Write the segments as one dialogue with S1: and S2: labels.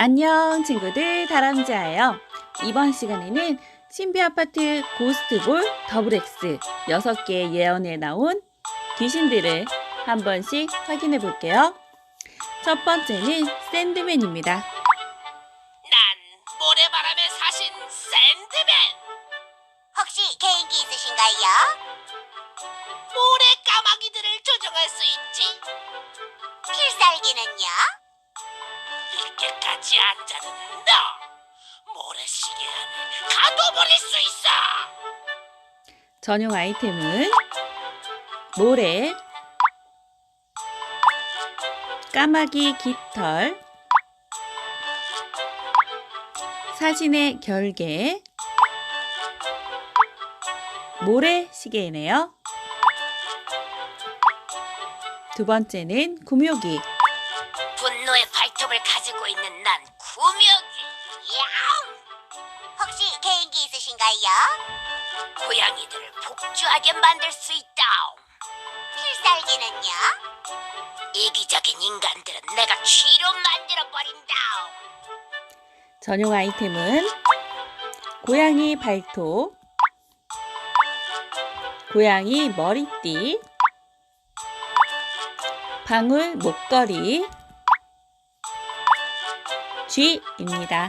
S1: 안녕 친구들, 다람쥐예요. 이번 시간에는 신비아파트 고스트볼 더블X 6개의 예언에 나온 귀신들을 한 번씩 확인해 볼게요. 첫 번째는 샌드맨입니다.
S2: 난 모래바람에 사신 샌드맨!
S3: 혹시 개인기 있으신가요?
S2: 모래 까마귀들을 조종할 수 있지.
S3: 필살기는요?
S2: 이렇게까지 앉아는 너! 모래시계 안에 가둬버릴 수 있어!
S1: 전용 아이템은 모래, 까마귀 깃털, 사신의 결계, 모래시계이네요. 두 번째는 구묘기.
S2: 분노의 발톱을 가지고 있는 난 구명이. 야옹!
S3: 혹시 개인기 있으신가요?
S2: 고양이들을 복주하게 만들 수 있다.
S3: 필살기는요?
S2: 이기적인 인간들은 내가 쥐로 만들어버린다.
S1: 전용 아이템은 고양이 발톱, 고양이 머리띠, 방울 목걸이, 쥐입니다.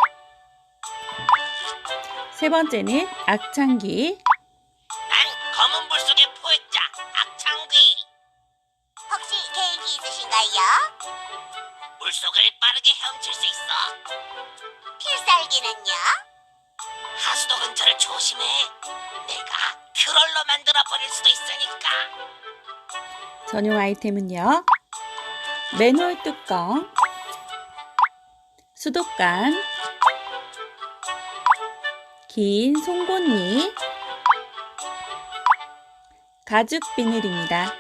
S1: 세 번째는 악창귀.
S2: 난 검은 물속의 포획자 악창귀.
S3: 혹시 개인기 있으신가요?
S2: 물속을 빠르게 헤엄칠 수 있어.
S3: 필살기는요?
S2: 하수도 근처를 조심해. 내가 트롤로 만들어 버릴 수도 있으니까.
S1: 전용 아이템은요, 맨홀 뚜껑, 수도관, 긴 송곳니, 가죽 비늘입니다.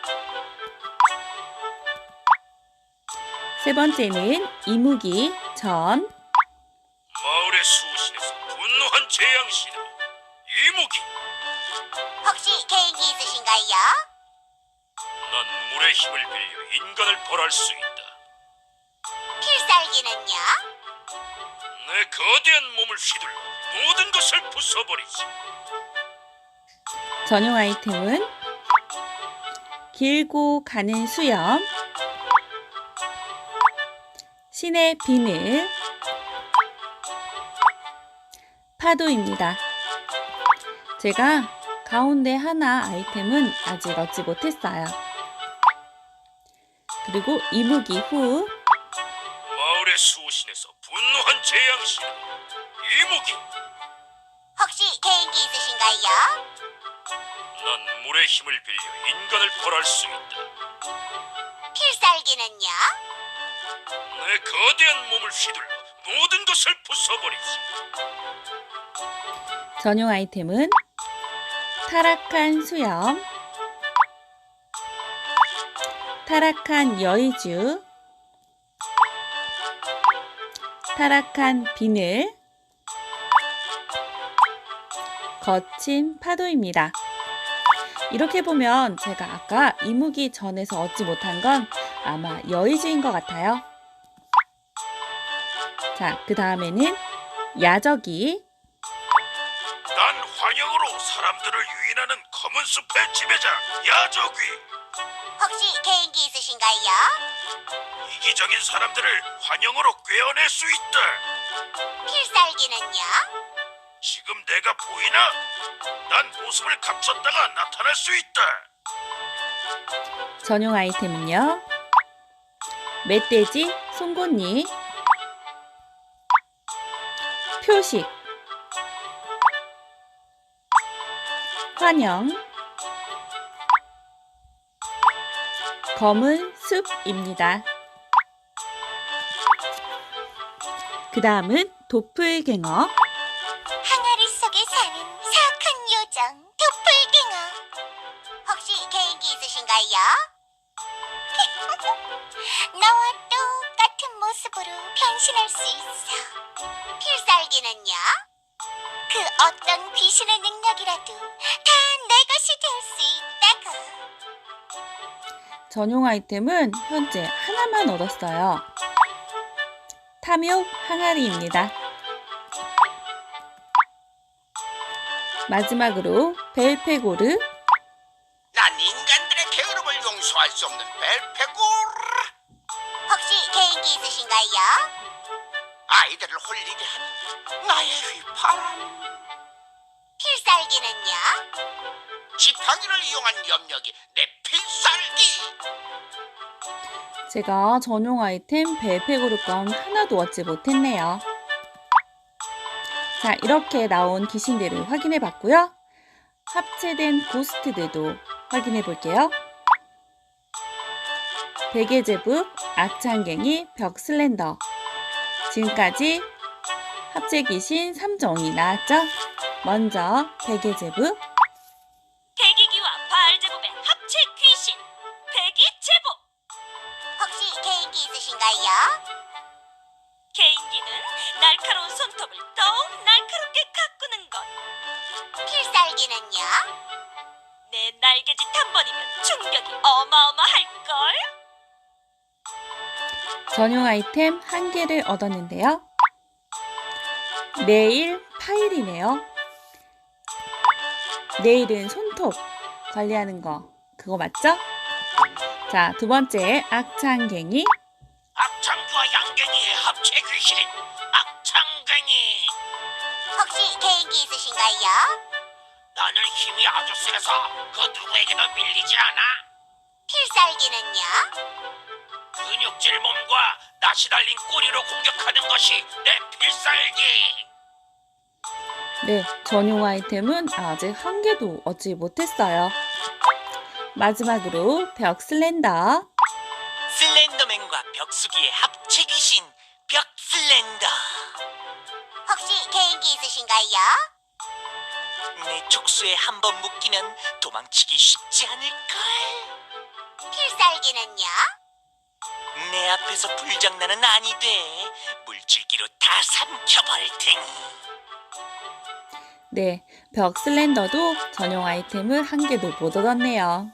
S1: 세 번째는 이무기 전.
S4: 마을의 수호신에서 분노한 재앙신으로 이무기.
S3: 혹시 개인기 있으신가요?
S4: 난 물의 힘을 빌려 인간을 벌할 수 있다.
S3: 필살기는요?
S4: 내 거대한 몸을 휘둘러 모든 것을 부숴버리지.
S1: 전용 아이템은 길고 가는 수염, 신의 비늘, 파도입니다. 제가 가운데 하나 아이템은 아직 얻지 못했어요. 그리고 이무기 후
S4: 마을의 수호신에서 분노한 재앙신으로 이무기.
S3: 혹시 개인기 있으신가요?
S4: 난 물의 힘을 빌려 인간을 벌할 수 있다.
S3: 필살기는요?
S4: 내 거대한 몸을 휘둘러 모든 것을 부숴버리지.
S1: 전용 아이템은 타락한 수염, 타락한 여의주, 타락한 비늘, 거친 파도입니다. 이렇게 보면 제가 아까 이무기 전에서 얻지 못한 건 아마 여의주인 것 같아요. 자, 그 다음에는 야적이.
S4: 난 환영으로 사람들을 유인하는 검은 숲의 지배자 야적귀.
S3: 혹시 개인기 있으신가요?
S4: 이기적인 사람들을 환영으로 꿰어낼 수 있다.
S3: 필살기는요?
S4: 지금 내가 보이나? 난 모습을 감췄다가 나타날 수 있다.
S1: 전용 아이템은요, 멧돼지 송곳니, 표식, 환영, 검은 숲입니다. 그 다음은 도플갱어.
S3: 항아리 속에 사는 사악한 요정 도플갱어. 혹시 개인기 있으신가요? 나와 똑같은 모습으로 변신할 수 있어. 필살기는요? 그 어떤 귀신의 능력이라도 다 내 것이 될 수 있다고.
S1: 전용 아이템은 현재 하나만 얻었어요. 탐욕 항아리입니다. 마지막으로 벨페고르.
S2: 난 인간들의 게으름을 용서할 수 없는 벨페고르.
S3: 혹시 개인기 있으신가요?
S2: 아이들을 홀리게 하는 나의 휘파람.
S3: 필살기는요?
S2: 지팡이를 이용한 염력이 내 필살기.
S1: 제가 전용 아이템 벨페고르 건 하나도 얻지 못했네요. 자, 이렇게 나온 귀신들을 확인해 봤고요. 합체된 고스트들도 확인해 볼게요. 베개제북, 악창갱이, 벽슬렌더. 지금까지 합체 귀신 3종이 나왔죠? 먼저 베개제북.
S5: 대기기와 바알제법의 합체 귀신 대기제법.
S3: 혹시 개인기 있으신가요?
S5: 개인기는 날카로운 손톱을 더욱 날카롭게 가꾸는 것.
S3: 필살기는요?
S5: 내 날개짓 한 번이면 충격이 어마어마할걸.
S1: 전용 아이템 1개를 얻었는데요. 네일 파일이네요. 네일은 손톱 관리하는 거, 그거 맞죠? 자, 두 번째 악창갱이.
S2: 악창과 양갱이의 합체 귀신인 악창갱이.
S3: 혹시 개인기 있으신가요?
S2: 나는 힘이 아주 세서 그 누구에게도 밀리지 않아.
S3: 필살기는요?
S2: 근육질 몸과 낯이 달린 꼬리로 공격하는 것이 내 필살기.
S1: 네, 전용 아이템은 아직 1개도 얻지 못했어요. 마지막으로 벽슬렌더.
S2: 슬렌더맨과 벽수기의 합체 귀신 벽슬렌더.
S3: 혹시 개인기 있으신가요?
S2: 내 촉수에 한 번 묶이면 도망치기 쉽지 않을걸.
S3: 필살기는요?
S2: 내 앞에서 불장난은 아니 돼. 물줄기로 다 삼켜버릴 테니.
S1: 네, 벽슬렌더도 전용 아이템을 1개도 못 얻었네요.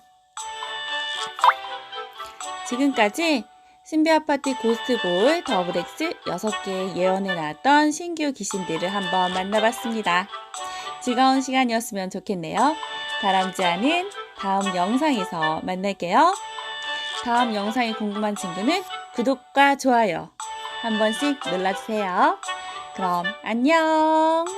S1: 지금까지 신비아파티 고스트볼 더블X 6개의 예언에 나왔던 신규 귀신들을 한번 만나봤습니다. 즐거운 시간이었으면 좋겠네요. 다람쥐 않은 다음 영상에서 만날게요. 다음 영상이 궁금한 친구는 구독과 좋아요 한 번씩 눌러주세요. 그럼 안녕!